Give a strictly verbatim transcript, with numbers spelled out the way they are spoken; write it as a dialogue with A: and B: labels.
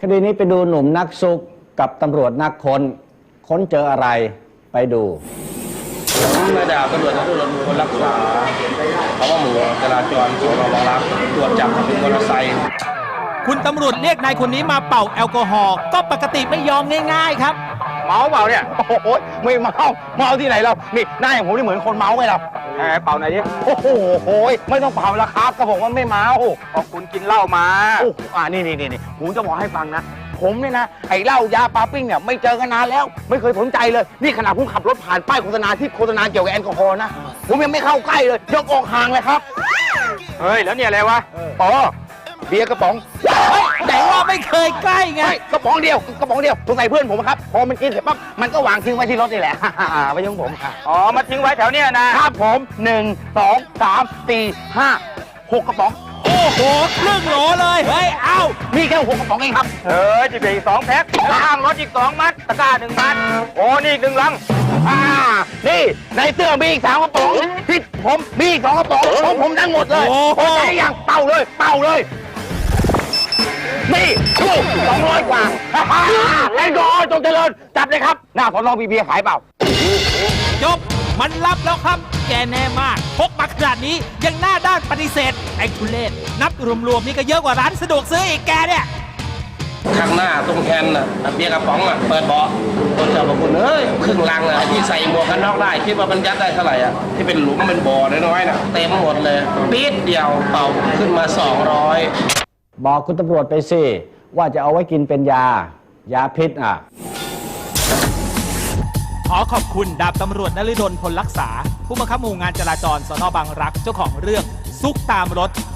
A: คดีนี้ไปดูหนุ่มนักซุกกับตำรวจนักค้นค้นเจออะไรไปดู
B: นายดาบตำรวจนักตำรวจคนรักษาเขาว่าหมู่จราจรสนบางรักตรวจจับเป็นมอเตอร์ไซค์
C: คุณตำรวจเรียกนายคนนี้มาเป่าแอลกอฮอล์ก็ปกติไม่ยอมง่ายๆครับ
D: เมาเปล่าเนี่ยโอ้โหไม่เมาเมาที่ไหนเรานี่หน้าอย่างผมนี่เหมือนคนเมาไหมเราแหมเป่าไหนดิโอ้โหโอ้ยไม่ต้องเป่าแล้วครับก็ผมว่าไม่เมาพอคุณกินเหล้ามาโอ้อ่านี่นี่นี่ผมจะบอกให้ฟังนะผมเนี่ยนะไอ้เหล้ายาปาปิ้งเนี่ยไม่เจอกันนานแล้วไม่เคยสนใจเลยนี่ขนาดผมขับรถผ่านป้ายโฆษณาที่โฆษณาเกี่ยวกับแอลกอฮอล์นะผมยังไม่เข้าใกล้เลยยกออกห่างเลยครับเฮ้ยแล้วเนี่ยอะไรวะอ๋อเบียร์กระป๋อง
C: แต่ว่าไม่เคยใกล้ไง
D: กระป๋องเดียวกระป๋องเดียวสงสัยเพื่อนผมครับพอมันกินเสร็จปั๊บมันก็วางทิ้งไว้ที่รถนี่แหละไว้ยังผมอ๋อมาทิ้งไว้แถวเนี้ยนะครับผมหนึ่งสองสามสี่ห้าหกกระป๋อง
C: โอ้โหครึ่งโหลเลยเฮ้ยเอ้า
D: มีแค่หกกระป๋องเองครับเออจิบอีกสองแพ็คข้างรถอีกสองมัดตะกร้าหนึ่งมัดโอ้นี่อีกหนึ่งลังอ่านี่ในเสื้อมีอีกสามกระป๋องที่ผมมีอีกสองกระป๋องของผมทั้งหมดเลยโอ้ยอย่างเป่าเลยเป่าเลยนี่ดูสองร้อยกว่าแอนกอฮอล์จงเจริญจับเลยครับหน้าสอนอบีเบียขายเปล่า
C: จบมันรับแล้วครับแกแน่มากพกมาขนาดนี้ยังหน้าด้านปฏิเสธไอ้ทุเรศนับรวมๆนี่ก็เยอะกว่าร้านสะดวกซื้ออีกแกเนี่ย
B: ข้างหน้าตรงแคนน่ะเบียร์กระป๋องอ่ะเปิดเบาะตัวเจ้าบอกคุณเอ้ยครึ่งลังอ่ะที่ใส่หมวกกันน็อกได้คิดว่ามันยัดได้เท่าไหร่อ่ะที่เป็นหลุมเป็นบ่อน้อยๆน่ะเต็มหมดเลยปี๊ดเดียวเป่าขึ้นมาสองร้อย
A: บอกคุณตำรวจไปสิว่าจะเอาไว้กินเป็นยายาพิษอ่ะ
C: ขอขอบคุณดาบตำรวจนฤดลพลรักษาผู้บังคับหมู่งานจราจรสน.บางรักเจ้าของเรื่องซุกตามรถ